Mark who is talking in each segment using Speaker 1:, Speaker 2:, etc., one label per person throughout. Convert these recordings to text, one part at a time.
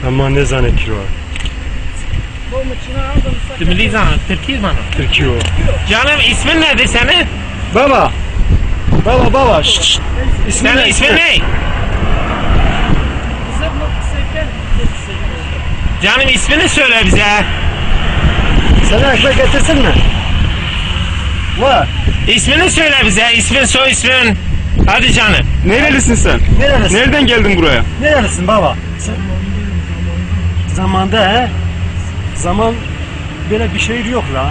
Speaker 1: Ama ne zannediyor?
Speaker 2: Milli zan, Türkiye bana.
Speaker 1: Türkiye o.
Speaker 2: Canım ismin nedir senin?
Speaker 1: Baba. Baba. Şşş.
Speaker 2: Senin ismin ne? Canım ismini söyle bize.
Speaker 1: Sana ekmek getirsin mi? Var.
Speaker 2: İsmini söyle bize. İsmin, soy ismin. Hadi canım.
Speaker 3: Nerelisin sen?
Speaker 1: Nerelisin?
Speaker 3: Nereden geldin buraya?
Speaker 1: Nerelisin baba? Zamanda he? Zaman böyle bir şey yok la.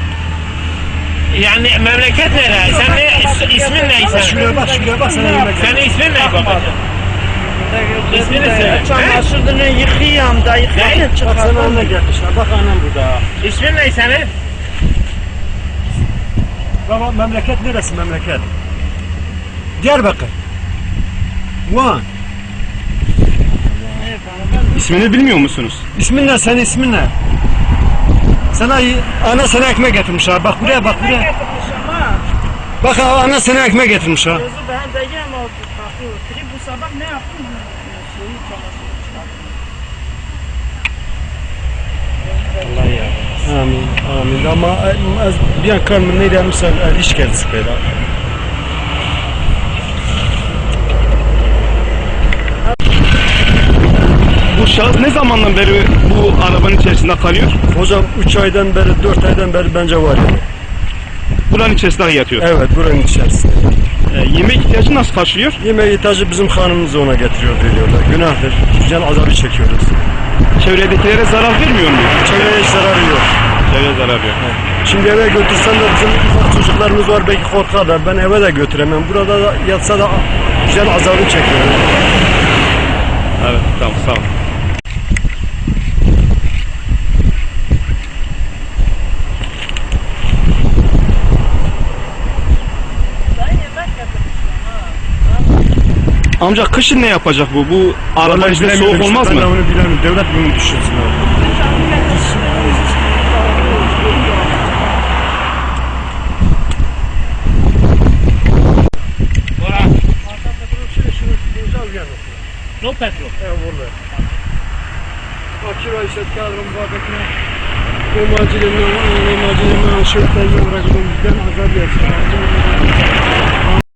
Speaker 2: Yani memleket nere? Sen ne? İsmin ne?
Speaker 1: Şuraya bak sana yemek.
Speaker 2: Senin ismin ne babacığım? İsmini söyle.
Speaker 4: Çamaşırını yıkayam da yıkayam
Speaker 1: Bak sana anne gelmişler. Bak annem burada.
Speaker 2: İsmin ne senin?
Speaker 1: Baba memleket neresi memleket? Diyarbakır. Van.
Speaker 3: İsmini bilmiyor musunuz?
Speaker 1: İsmin ne? Senin ismin ne? Ana sana ekmek getirmiş ha. Bak buraya. Bak ana sana ekmek getirmiş ha.
Speaker 4: Gözü ben de yem oldu. Bu sabah ne yaptın? Şeyi çamaşırı çıkarttım.
Speaker 2: Allah ya.
Speaker 1: Amin. Ama bir an karnım neydi misal iş geldi böyle.
Speaker 3: Bu şahıs ne zamandan beri bu arabanın içerisinde kalıyor?
Speaker 1: Hocam 3 aydan beri 4 aydan beri bence var yani.
Speaker 3: Buranın içerisinde yatıyor.
Speaker 1: Evet buranın içerisinde.
Speaker 3: Yemek ihtiyacı nasıl karşılıyor?
Speaker 1: Yemeği ihtiyacı bizim hanımımız ona getiriyor veriyorlar. Günahtır. Can azabı çekiyoruz.
Speaker 3: Çevredekilere zarar vermiyor mu?
Speaker 1: Çevreye hiç zararı yok.
Speaker 3: Çevreye zarar yok.
Speaker 1: Şimdi eve götürsen de bizim ufak çocuklarımız var belki korkarlar. Ben eve de götüremem. Burada da yatsa da can azabı çekiyor.
Speaker 3: Evet, tamam, sağ ol. Amca kışın ne yapacak bu? Bu araba içinde soğuk olmaz
Speaker 1: Ben
Speaker 3: mı?
Speaker 1: onu bilemiyorum. Devlet bunu düşünsün abi.
Speaker 2: No petrol.
Speaker 1: Akira işte kadrom babetine o macilemen şöyle bırakıyorum. Ben azar